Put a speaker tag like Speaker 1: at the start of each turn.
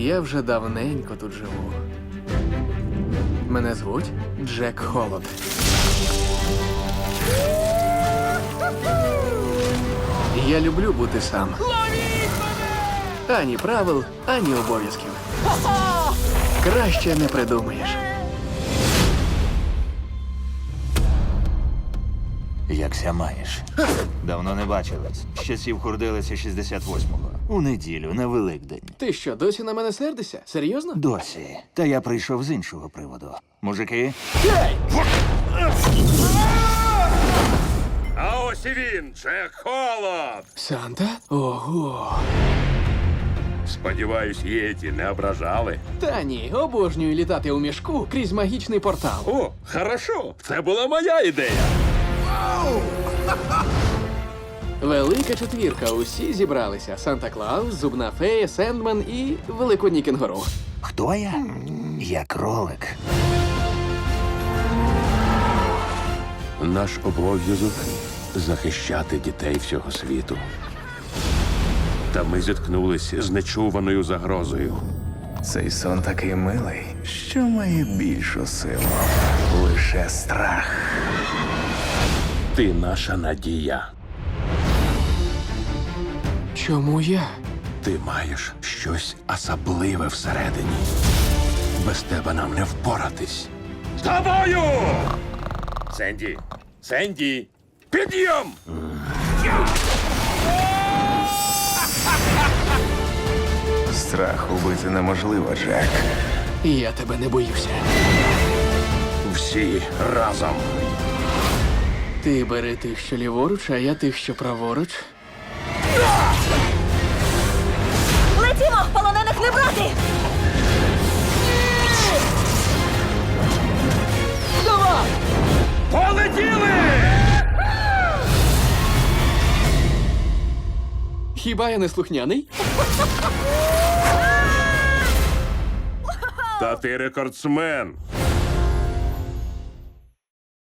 Speaker 1: Я вже давненько тут живу. Мене звуть Джек Холод. Я люблю бути сам. Ані правил, ані обов'язків. Краще не придумаєш.
Speaker 2: Якся маєш? Давно не бачились. З часів хурдилися 68-го. У неділю, на Великдень.
Speaker 1: Ти що, досі на мене сердишся? Серйозно?
Speaker 2: Досі. Та я прийшов з іншого приводу. Мужики,
Speaker 3: А ось і він, Джек Холод.
Speaker 1: Санта? Ого.
Speaker 3: Сподіваюсь, єті не ображали.
Speaker 1: Та ні, обожнюю літати у мішку крізь магічний портал.
Speaker 3: О, хорошо. Це була моя ідея.
Speaker 1: Велика четвірка, усі зібралися. Санта-Клаус, Зубна фея, Сендмен і Великодній кенгуру.
Speaker 2: хто я? Я кролик.
Speaker 3: Наш обов'язок захищати дітей всього світу. Та ми зіткнулися з нечуваною загрозою.
Speaker 4: Цей сон такий милий, що має більшу силу. Лише страх.
Speaker 3: Ти наша надія.
Speaker 1: Чому я?
Speaker 3: Ти маєш щось особливе всередині. Без тебе нам не впоратись. З тобою! Сенді! Сенді! Підйом!
Speaker 4: Страх убити неможливо, Джек.
Speaker 1: Я тебе не боюся.
Speaker 3: Всі разом.
Speaker 1: Ти бери тих, що ліворуч, а я тих, що праворуч.
Speaker 5: Летімо! Полонених не брати!
Speaker 3: Полетіли!
Speaker 1: Хіба я не слухняний?
Speaker 3: Та ти рекордсмен.